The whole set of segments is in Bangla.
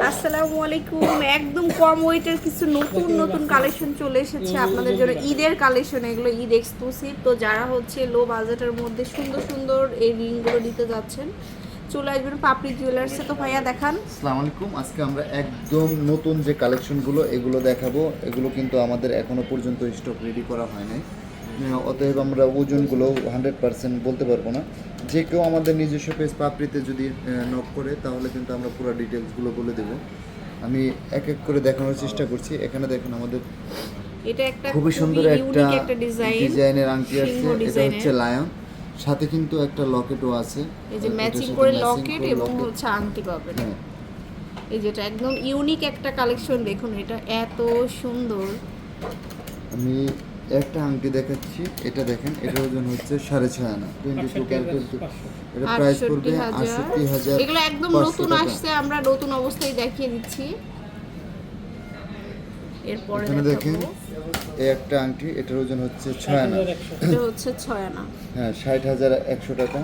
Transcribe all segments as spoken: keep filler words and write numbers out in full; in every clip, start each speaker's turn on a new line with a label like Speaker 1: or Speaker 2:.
Speaker 1: আসসালামু আলাইকুম। একদম কম ওয়েটের কিছু নতুন নতুন কালেকশন চলে এসেছে আপনাদের জন্য, ঈদের কালেকশন। এগুলো ঈদ এক্সক্লুসিভ। তো যারা হচ্ছে লো বাজেটের মধ্যে সুন্দর সুন্দর এই রিংগুলো নিতে যাচ্ছেন, চলে আসবেন পাপড়ি জুয়েলার্সে। তো ভাইয়া দেখান।
Speaker 2: আসসালামু আলাইকুম। আজকে আমরা একদম নতুন যে কালেকশনগুলো এগুলো দেখাবো। এগুলো কিন্তু আমাদের এখনো পর্যন্ত স্টক রেডি করা হয় নাই, অতএব আমরা ওজনগুলো হান্ড্রেড পার্সেন্ট বলতে পারবো না। যে কেউ আমাদের নিজস্ব পেজ পাপড়িতে যদি নক করে তাহলে কিন্তু আমরা পুরো ডিটেলসগুলো বলে দেবো। আমি এক এক করে দেখানোর চেষ্টা করছি। এখানে দেখেন আমাদের
Speaker 1: এটা একটা
Speaker 2: খুবই সুন্দর একটা
Speaker 1: একটা ডিজাইন,
Speaker 2: ডিজাইনের আংটি আছে। এটা হচ্ছে লায়ন, সাথে কিন্তু একটা লকেটও আছে।
Speaker 1: এই যে ম্যাচিং করে লকেট এবং হচ্ছে আংটি পাবেন। এই যেটা একদম ইউনিক একটা কালেকশন, দেখুন এটা এত সুন্দর।
Speaker 2: আমি একটা আংটি দেখাচ্ছি, এটা দেখেন, এটার ওজন হচ্ছে সাড়ে ছয় আনা, টোয়েন্টি টু ক্যারেটের। এটা প্রাইস পড়বে আটষট্টি হাজার।
Speaker 1: এগুলো একদম নতুন আসছে, আমরা নতুন অবস্থায় দেখিয়ে দিচ্ছি। এরপরে
Speaker 2: এখানে দেখেন এই একটা আংটি, এটার ওজন হচ্ছে ছয় আনা,
Speaker 1: এটা হচ্ছে ছয় আনা।
Speaker 2: হ্যাঁ, ষাট হাজার একশো টাকা।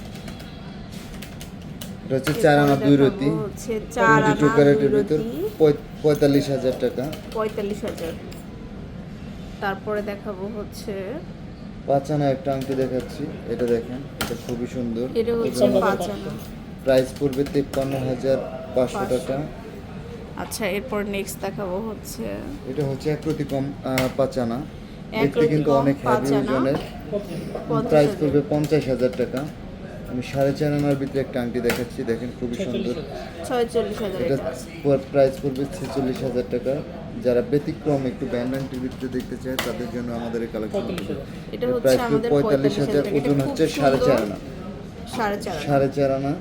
Speaker 2: এটা হচ্ছে চার আনা দুই রতি, টোয়েন্টি টু ক্যারেটের ভিতর, পঁয়তাল্লিশ হাজার টাকা।
Speaker 1: পঁয়তাল্লিশ হাজার। তারপরে দেখাবো হচ্ছে
Speaker 2: পাঁচ আনা একটা আংটি দেখাচ্ছি। এটা দেখেন, এটা খুবই সুন্দর।
Speaker 1: এটা হচ্ছে পাঁচ আনা,
Speaker 2: প্রাইস পড়বে তেপ্পান্ন হাজার পাঁচশো টাকা।
Speaker 1: আচ্ছা, এরপর নেক্সট দেখাবো হচ্ছে
Speaker 2: এটা হচ্ছে এক প্রতি কম পাঁচ আনা, দেখতে কিন্তু অনেক হেভি ওজনের। প্রাইস পড়বে পঞ্চাশ হাজার টাকা। আমি সাড়ে চার আনার ভিতরে একটা আংটি দেখাচ্ছি, দেখেন খুবই সুন্দর।
Speaker 1: ছয়চল্লিশ হাজার।
Speaker 2: এটা প্রাইস পড়বে ছেচল্লিশ হাজার টাকা। যারা ব্যতিক্রম একটু ব্যান্ড আংটির ভিতরে দেখতে চায় তাদের জন্য আমাদের এই কালেকশন।
Speaker 1: এটা হচ্ছে
Speaker 2: প্রাইস
Speaker 1: আমাদের
Speaker 2: পঁয়তাল্লিশ হাজার, ওজন হচ্ছে সাড়ে চার আনা।
Speaker 1: সাড়ে চার
Speaker 2: সাড়ে চার আনা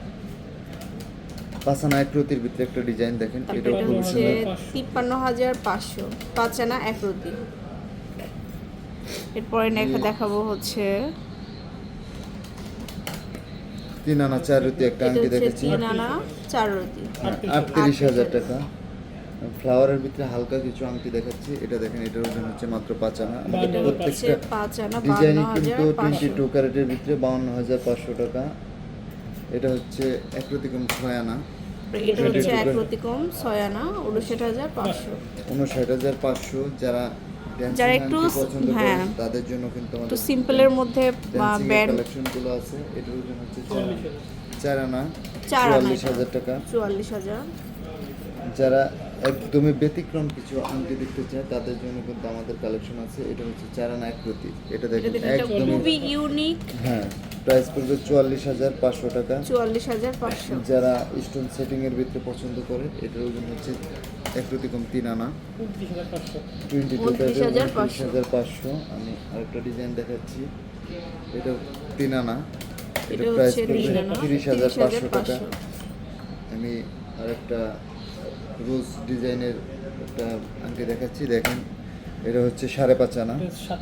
Speaker 2: পাঁচ আনা এক রতির ভিতরে একটা ডিজাইন দেখেন, এটাও খুব সুন্দর।
Speaker 1: তিপ্পান্ন হাজার পাঁচশো, পাঁচ আনা এক রতি। এরপরে দেখাবো হচ্ছে
Speaker 2: তিন আনা চার রতি একটা আংটি দেখেছি,
Speaker 1: তিন আনা চার রতি,
Speaker 2: আটত্রিশ হাজার টাকা। ফ্লাওয়ারের ভিতরে হালকা কিছু আংটি দেখাচ্ছি, এটা দেখেন, এটার ওজন হচ্ছে মাত্র পাঁচ আনা। আমাদের প্রত্যেকটা ডিজাইনই কিন্তু টোয়েন্টি টু ক্যারেটের ভিতরে বাউন্ন হাজার পাঁচশো টাকা। এটা হচ্ছে এক রতিকম ছয় আনা,
Speaker 1: এটা হচ্ছে এক রতিকম ছয় আনা, উনষাট হাজার পাঁচশো।
Speaker 2: উনষাট হাজার পাঁচশো। যারা
Speaker 1: যারা একটু হ্যাঁ
Speaker 2: তাদের জন্য কিন্তু
Speaker 1: একটু সিম্পলের মধ্যে ব্যান্ড
Speaker 2: কালেকশনগুলো আছে। এটার ওজন হচ্ছে চার আনা,
Speaker 1: চার আনা,
Speaker 2: চুয়াল্লিশ হাজার টাকা।
Speaker 1: চুয়াল্লিশ হাজার।
Speaker 2: যারা একদমই ব্যতিক্রম কিছু আংটি দেখতে চায় তাদের জন্য কিন্তু আমাদের কালেকশন আছে। এটা হচ্ছে চার আনা এক প্রতি, এটা দেখেন একদম
Speaker 1: খুবই ইউনিক।
Speaker 2: হ্যাঁ, প্রাইস পড়বে চুয়াল্লিশ হাজার পাঁচশো টাকা।
Speaker 1: চুয়াল্লিশ হাজার পাঁচশো।
Speaker 2: যারা স্টোন সেটিং এর ভিতরে পছন্দ করে, এটার ওজন হচ্ছে এক রতিকম তিন আনা, টোয়েন্টি টু হাজার পাঁচশো। আমি আরেকটা ডিজাইন দেখাচ্ছি, এটা তিন আনা, এটা প্রাইস পড়বে তিরিশ হাজার পাঁচশো টাকা। আমি আরেকটা রোজ ডিজাইনের একটা আংটি দেখাচ্ছি, দেখেন, এটা হচ্ছে সাড়ে পাঁচ আনা,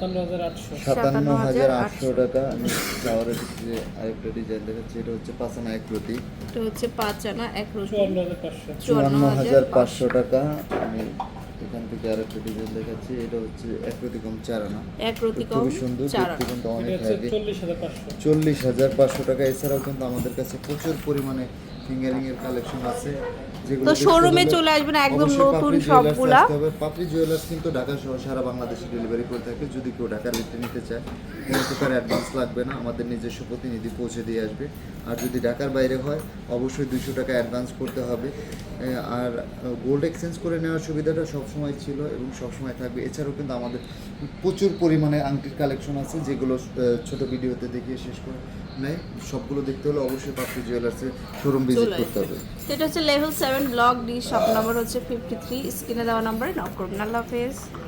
Speaker 2: সাতান্ন হাজার আটশো টাকা। আমি ফ্লাওয়ারের ভিতরে আরেকটা ডিজাইন দেখাচ্ছি, এটা হচ্ছে পাঁচ আনা এক রতি,
Speaker 1: এটা হচ্ছে পাঁচ আনা এক রতি,
Speaker 2: চুয়ান্ন হাজার পাঁচশো টাকা। আমি এখান থেকে আরেকটা ডিজাইন দেখাচ্ছি, এটা হচ্ছে এক রতি কম চার আনা,
Speaker 1: এক রতি কম
Speaker 2: খুবই সুন্দর, দেখতে কিন্তু অনেক হেভি, চল্লিশ হাজার পাঁচশো টাকা। এছাড়াও কিন্তু আমাদের কাছে প্রচুর পরিমাণে ফিঙ্গারিং এর কালেকশন আছে, যেগুলো
Speaker 1: তো শোরুমে চলে আসবেন, একদম নতুন সবগুলা।
Speaker 2: পাপড়ি জুয়েলার্স কিন্তু ঢাকা সহ সারা বাংলাদেশে ডেলিভারি করে থাকে। যদি কেউ ঢাকার ভিতরে নিতে চায় কোনো প্রকার অ্যাডভান্স লাগবে না, আমাদের নিজস্ব প্রতিনিধি পৌঁছে দিয়ে আসবে। আর যদি ঢাকার বাইরে হয় অবশ্যই দুইশো টাকা অ্যাডভান্স করতে হবে। আর গোল্ড এক্সচেঞ্জ করে নেওয়ার সুবিধাটা সবসময় ছিল এবং সবসময় থাকবে। এছাড়াও কিন্তু আমাদের প্রচুর পরিমাণে আংটির কালেকশন আছে, যেগুলো ছোট ভিডিওতে দেখিয়ে শেষ করে নেয়। সবগুলো দেখতে হলে অবশ্যই পাপড়ি জুয়েলার্সের শোরুম ভিজিট করতে হবে।
Speaker 1: এটা হচ্ছে level seven block D, shop number হচ্ছে ফিফটি থ্রি। স্ক্রিনে দেওয়া নাম্বারে নক করবেন। আল্লাহ হাফেজ।